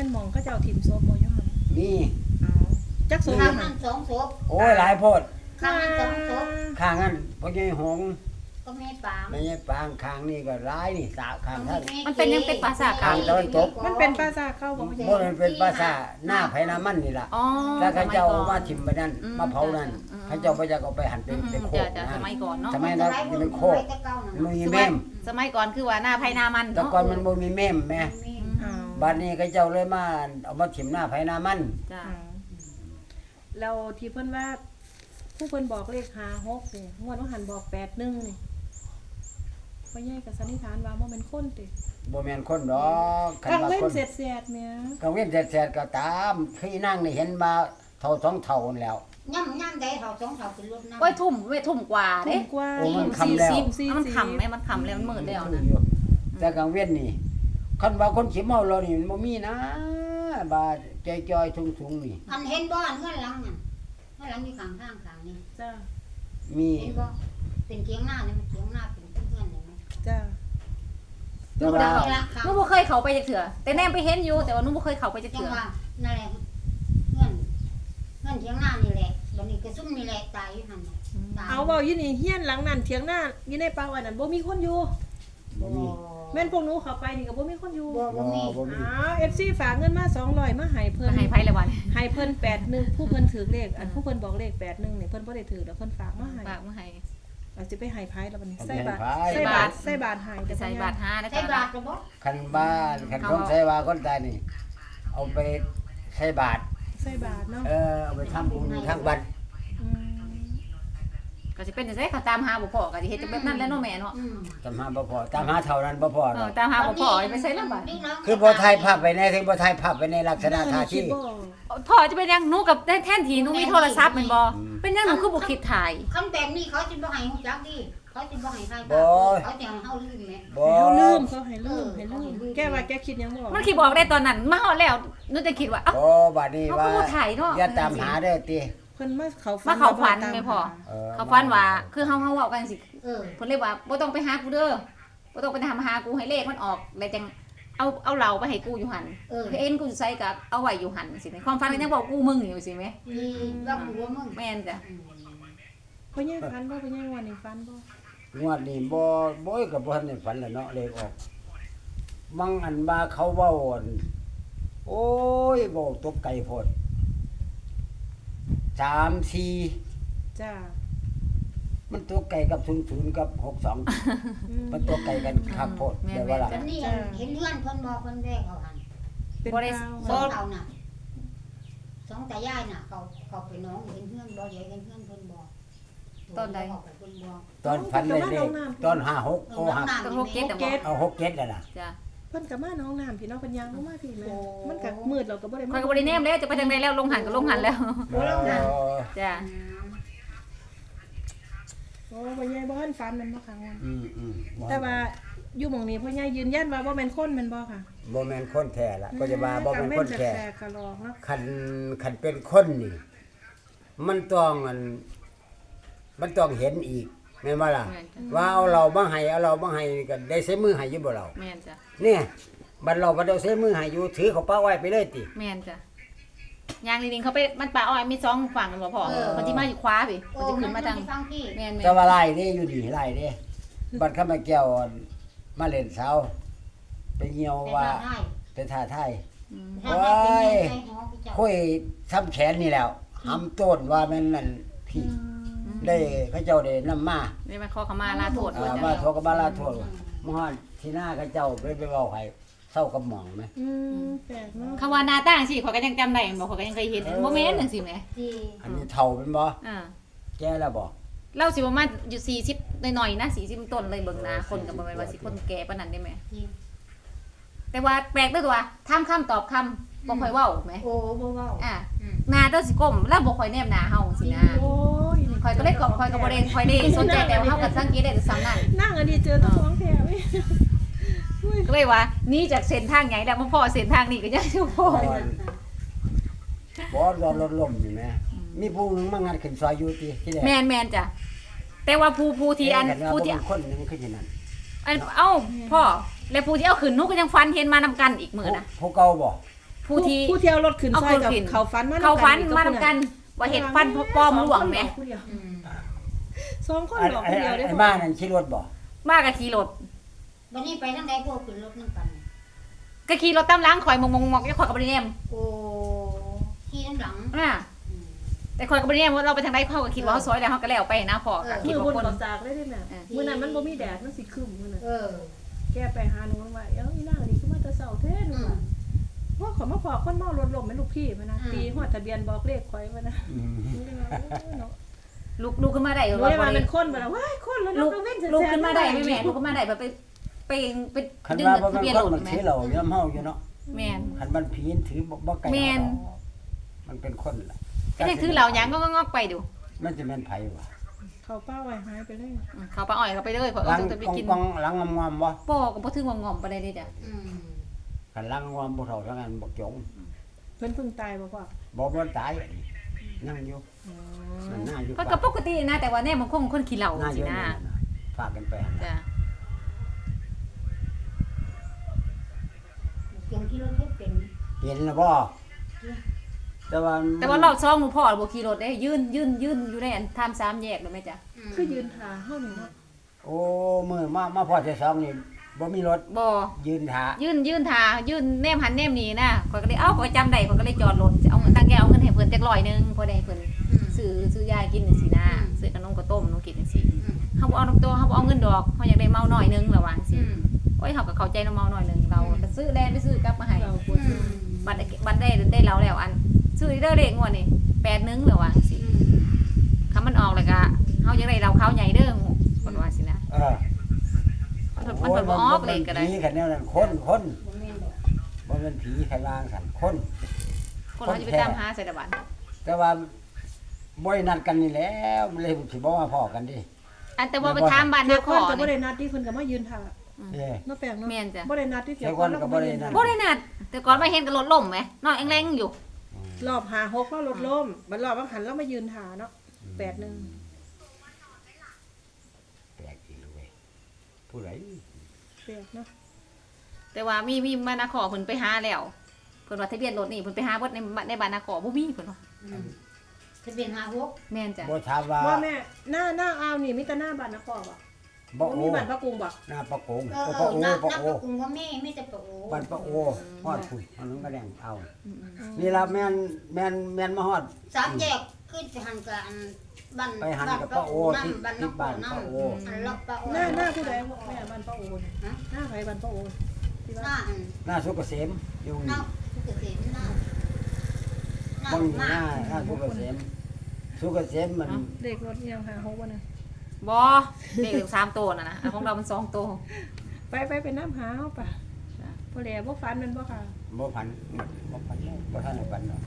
หม่องเขาเจ้าถิ่มศพบ่อยู่หั่นมีเอาจักศพข้างหั่นั้น น2ศพโอ้ยหลายโพดข้างนั้น2ศพข้างนั้นพ่อใหญ่หงก็แม่ปามแม่ใหญ่ปางข้างนี่ก็หลายนี่สาข้างท่านมันเป็นยังเป็นภาษาข้างตะวันตกมันเป็นปราสาทเขาบ่บ่มันเป็นภาษาหน้าไผหน้ามันนี่ล่ะอ๋อแล้วเขาเจ้ามาถิ่มไปนั่นอืมมาเผานั่นอืมเขาเจ้าบ่อยากเอาไปหั่นเป็นโคกจะนะสมัยก่อนเนาะสมัยนั้นมันเป็นโคกมันมีแม่มสมัยก่อนคือว่าหน้าไผหน้ามันแต่เนาะก่อนมันบ่มีแม่มแม่เอาบัดนี้เขาเจ้าเลยมาเอามาถิ่มหน้าไผหน้ามันจ้ะเอาแล้วที่เพิ่นว่าผู้เพิ่นบอกเลข56นี่งวดว่าหันบอก81นี่พ่อใหญ่ก็สันนิษฐานว่าบ่แม่นคนติบ่แม่นคนดอกคันกลางว่าเว้นคนเสร็จแม่กังเว้นแสดๆก็ตามพี่นั่งนี่เห็นมาเท่าสองเท่านั่นแล้วย่ำได้เท่า2เท่าเป็นรถน้ำโอ้ยทุ่มกว่าถูเด้กกว่าโอ้มันคำแล้วมันคำไหมมันคำแล้วมันมืดแล้วนะแต่กังเว้นนี่คันว่าคนสิเมาเรานี่มันบ่มีนะบาจอยๆทุงๆนี่อันเห็นบ่อันเงื่อนหลังน่ะเงื่อนหลังอยู่ข้างทางข้างนี้จ้ามีเห็นบ่เป็นเถียงหน้านี่มันเถียงหน้าเป็นเงื่อนเลยมั้ยจ้าแต่ว่าหนูบ่เคยเข้าไปจักเถื่อแต่แนมไปเห็นอยู่แต่ว่าหนูบ่เคยเข้าไปจักจังเถื่อว่านั่นแหละเงื่อนเถียงหน้านี่แหละบัดนี้ก็ซุ่มนี่แหละตายอยู่หั่นน่ะตายเอาเว้าอยู่นี่เฮียนหลังนั้นเถียงหน้าอยู่ในป่าวันนั้นบ่มีคนอยู่บ่มีแม่นพวกหนูเข้าไปนี่ก็บ่มีคนอยู่บ่มีบ่มีอ้าว FC ฝากเงินมา200มาให้เพิ่นให้ไผละวันให้เพิ่น81ผู้เพิ่นถือเลขอันผู้เพิ่นบอกเลข81นี่เพิ่นบ่ได้ถือแล้วเพิ่นฝากมาให้ฝากมาให้เราสิไปให้ไผแล้วบัดนี้เอาไปใส่บาทให้ไผใส่บาทใส่บาทให้ไปใส่บาท5นะใช้คะบาทก็บ่คันบ้านคันคนใช้ว่าคนตายนี่ เอาไปใช้บาทใส่บาทเนาะเอาไปทำบุญทางวัดอืมก็สิเป็นจังได๋เขาตามหาบ่พอก็สิเฮ็ดจังแบบนั้นแหล้วเนาะแม่เนาะตามหาบ่พอตามหาเท่านั้นบ่พอหรอกตามหาบ่พอไปใส่ละบาทคือบ่ถ่ายภาพไว้ในถึงบ่ถ่ายภาพไว้ในลักษณะท่าคิที่ดบ่พ่อจะเป็นยังหนูกับแท่นทีหนูมีโทรศัพท์แม่นบ่เป็นยังหนูคือบ่คิดถ่ายคำแบบนี้เขาสิบ่ให้ฮู้จักดิเขาสิบ่ให้ใครบ่เขาจะให้เฮาลืมแหมบ่ให้เฮาลืมเขาให้ลืมให้ลืมแกว่าแกคิดหยังบ่ออกมันคิดบอกได้ตอนนั้นมาฮอดแล้วหนูจะคิดว่าเอ้าบ่บัดนี้เขาว่าก็บ่ถ่ายเนาะอย่าตามหาเด้อติเพิ่นมาเขาฝัมาเข้าฝันไม่พออเขาฝันว่าคือเฮาเว้ากันสิเออเพิ่นเลยว่าบ่ต้องไปหากูเด้อบ่ต้องไปหากูให้เลขมันออกแล้วจังเอาเหล้าไปให้กูอยู่หั่นเออเอ็นกูสิใส่กับเอาไว้อยู่หั่นสิในความฝันก็ยังบอกกูมึงอยู่สิแม่มีว่ากูว่ามึงแม่นจ้ะเพิ่นยังฝันบ่เพิ่นยังว่านี่ฝันบ่งวดนี้บ่ก็บ่ทันได้ฝันแล้วเนาะเลขออกมังอันว่าเขาเว้าอั่นโอ้ยเว้าตกไก่โพด3 4 จ้ามันตัวไก่กับ00กับ62มันตัวไก่กันคักโพดได้ว่าล่ะจันนี่เห็นเพื่อนเพิ่นบอกเพิ่นแบกเอาหันเป็นดาวสองเอาน่ะสองตายายน่ะเขาไปน้องเห็นเพื่อนบ่ใหญ่เห็นเพื่อนเพิ่นบอกเพิ่นบอกตอนฝันเลขตอน56โอ้หักต้องโลเก็ตบ่เอา6 7แล้วล่ะจ้ะเพิ่นก็มาน้องน้ำพี่น้องเพิ่นยังบ่มาพี่แม่มันก็มืดเราก็บ่ได้ข่อยก็บ่ได้แนมแล้วจะไปทางใดแล้วลงหันก็ลงหันแล้ว จ้ะโอ้พ่อใหญ่บ่ทันฝันแม่นบ่ค่ะว่าอืมแต่ว่าอยู่หม่องนี้พ่อใหญ่ยืนยันว่าบ่แม่นคนแม่นบ่ค่ะบ่แม่นคนแท้ล่ะก็จะว่าบ่แม่นคนแท้แปลกๆกะลอกเนาะคันเป็นคนนี่มันต้องมันต้องเห็นอีกแม่นบ่ล่ะแม่นจ้ะว่าเอาเรามาให้ก็ได้ใช้มือให้อยู่บ่เราแม่นจ้ะเนี่ยบัดเราบ่ได้ใช้มือให้อยู่ถือเขาป้าไว้ไปเลยติแม่นจ้ะยางจริงๆเขาไปมันป่าอ้อยมี2ฝั่งกันบ่พ่อมันสิมาอยู่ขวาพี่โอ้มันสิมัขึ้นนมาทางฟังพี่แม่นแต่ว่าไล่นี่อยู่ดีไล่เด้บัดเข้ามาแก้วมาเล่นเสาไปเหี่ยวว่าไปท่าทาย ค่อยทำแขนนี่แล้วหำต้นว่าแม่นนั่นพี่ได้เขาเจ้าได้นำมาได้มาขอขมาลาโทษมาโทรกับบาลาโทษมฮอดที่หน้าเขาเจ้าไปเว้าให้เศร้ากับหมองไหมแปลกเนาะคำว่าหน้าต่างสิข่อยก็ยังจำได้บ่ข่อยก็ยังเคยเห็นบ่แม่นจังซี่แหมที่อันนี้เฒ่าเป็นบ่อ่าแก่แล้วบ่เราสิประมาณอยู่40หน่อยๆนะ40ต้นเลยเบิ่งหน้าคนก็บ่แม่นว่าสิคนแก่ปานนั้นได้แม่ที่แต่ว่าแปลกเด้อตัวถามคำตอบคำบ่ค่อยเว้าแหมโอ้บ่เว้าอ่าหน้าเด้อสิก้มแล้วบ่ค่อยแนมหน้าเฮาสินะโอ้ยข่อยก็เลยข่อยก็บ่ได้ค่อยได้สนใจแต่ว่าเฮาก็สังเกตได้แต่ซ้ำนั้นนั่งอันนี้เจอตัวของแท้เว้ยก็เลยว่านี่จากเส้นทางใหญ่แล้วมาพอเส้นทางนี้ก็ยังอยู่พอบ่รอรถล้มนี่แม่มีผู้หนึงมางัดขึ้นซอยอยู่ติที่แรกแม่นจ้ะแต่ว่าผู้ที่อันผู้ที่คนหนึงคือจังนั้นอันเอ้าพ่อแล้วผู้ที่เอาขึ้นหนูก็ยังฟันเห็นมานำกันอีกมื้อนะผู้เก่าบ่ผผู้ที่ผู้เที่ยวรถขึ้นเอาซอยกับขึ้นเขาฟันมาเขาฟันอีมาทำกันว่าเห็ดฟันปลอมหลวงไหมผู้เดียวอืมสองคนไอ้หลอกไอ้ผู้เดียวได้ไอ้บ่บ้านนั่นขี่รถบ่มากกับขี่รถวันนี้ไปทางใดพวกขึ้นรถนำกันก็ขี่รถตามหล้างข่อยมองจะข่อยกับบริเนมโอ้ขี่น้ำหลังอ่าอืมแต่ข่อยกับบริเนมเราไปทางใดเขาก็คิดว่าเขาซอยแล้วเขาก็แล้วไปนะพอก็คิมืดอว่าบนคนกับจากเลยได้แม่มื้อนั้นมันบ่มีแดดมันสิครึ้มมื้อนั้นเออแกไปหาหนูว่าเอ้าอีนางนี่คือมาแต่เช้าแท้หนูอืมว่าว่าขอมาพอคนเมารถล้มแม่ลูกพี่มานะอืมตีฮอดทะเบียนบอกเลขข่อยมานะอืมหนูเลยว่าโอ้ยเนาะลุกขึ้นมาได้หนูเลยว่าเป็นคนบ่ล่ะว้ายคนแล้วลุเนาะกเว้นแสนๆลุกขึ้นมาได้ไหมแม่ลุกขึ้นมาได้แบบไปคันดึงว่าบ่ทะเป็นเบียนครนถมันไหมถือเหล้าย่ำเฮาอยู่เนาะแม่นคันมันผีถือบ่ไกลแม่นมันเป็นคนล่ะก็ได้ถือเหล่ายังก็งอกไปดูมันจะแม่นไผวะเขาป้าไว้หายไปเลยเขาปลาอ้อยเขาไปเลยเพราะหลังต้องไปกินกองๆหลังงอมๆบ่ปอก็บ่ถึงว่างอมปานใดเด้จ้ะอืมคันหลังงอมบ่เท่าทั้งนั้นบ่จงเพิ่นเพิ่งตายบ่พ่อบ่ตายยังอยู่อ๋อมันน่าอยู่ก็ก็ปกตินะแต่ว่าแน่มันคงคนขี้เหล้าน่าอสิยู่นะฝากกันไปหั่นจ้ะเสียงที่รถเฮ็ดเป็นเห็นแล้วบ่แต่ว่าแต่ว่ารอบ2หนูพ่อบ่ขี่รถได้ยืนอยู่ในอันทาม3แยกเลยแม่จ้ะมคือยืนท่าเฮานี่เนาะโอ้มื้อมาพอที่2นี่บ่มีรถบ่ยืนท่ายืนทายืนแนมหันแนมนี่นะข้อยก็เลยเอ้าข้อยจำได้ข้อยก็เลยจอดรถจะเอาเงินตั้งแกเอาเงินให้เพิ่นจัก100นึงพอได้ให้เพิ่นอืมซื้อยากินจังซี่นะซื้อขนมข้าวต้มหนูกินจังซี่อืมเฮาบ่เอาน้ำตัวเฮาบ่เอาเงินดอกเฮาอยากได้เมาหน่อยนึงระวังสิอืมโอ้ยเฮาก็เข้าใจน้ำเมาหน่อยนึงเราก็ซื้อแลนไปซื้อกลับมาให้เราปวอืดมบัตรได้เราแล้วอันซื้อเด้อเลขงวดนี่8นึงระวังสิอืมคำมันออกแล้วก็เฮาอยากได้เราเขาใหญ่เด้อเพิ่นว่าสินะเออมันเพิ่นบ่ออกเลขก็ได้ผีคันแนวนั้นคนบ่แม่นดอกบ่แม่นผีใครวางสั่นคนคนเราจะไปตามหาใส่ตะบันแต่ว่าบ่ได้นัดกันนี่แหล้วมันเลยสิบ่มาพ้อกันดิอันแต่ว่าไปถามบ้านเดี๋นายวขคอนก็บ่นี่ได้นัดที่เพิ่นก็มายืนท่าเอ้เนาะแปลงเนาะแม่นจ้ะบ่ได้นัดที่เดี๋ยวเดี๋ยวก่อนก็บ่ได้นัดบ่ได้นัดแต่ก่อนมาเห็นก็รถล่มไหมนอนแรงๆอยู่รอบ56แล้วรถล้มบัดรอบว่าหันแล้วมายืนท่าเนาะ81 แปลกอีกเว้ยผู้ใดแปลกเนาะแต่ว่ามีบ้านนาขอเพิ่นไปหาแล้วเพิ่นว่าทะเบียนรถนี่เพิ่นไปหาเบิดในบ้านนาขอบ่มีเพิ่นว่าอืมทะเบียน56 แม่นจ้ะบ่ถามว่าว่าแม่หน้าอาวนี่มีแต่หน้าบ้านนครบ่บ่บ่โอมีบ้านพระกรุงบ่หน้าปะโกงเออปะโอนับปะโอกรุงว่าไม่แต่ปะโอบ้านปะโอฮอดพุ่นอันนั้นก็แดงเอาอืมนี่ล่ะแม่นมาฮอดสามแยกขึ้นไปหันกับอันบ้านไปหันกับปะโอที่บ้านที่บ้านน้ปะโออันล็อกปะโอหน้าผู้ใดแม่บ้านพระโอน่ะฮะหน้าไผบ้านพระโอที่หว่าน้าอันหน้าสุกเกษมอยู่หน้านี่สุกเกษมหน้าบ่มีหหน้าน้าสุกเกษมสุกเกษมมันเลขรถอีหยังหา6บ่น่ะบ่เลข3ตัวน่ะนะอันของเรามัน2ตัวไปน้ำหาเฮาป่ะจ้ะบ่แลบ่ฝันแม่นบ่ค่ะบ่พันบ่พันเลยบ่ทันได้พันหรอก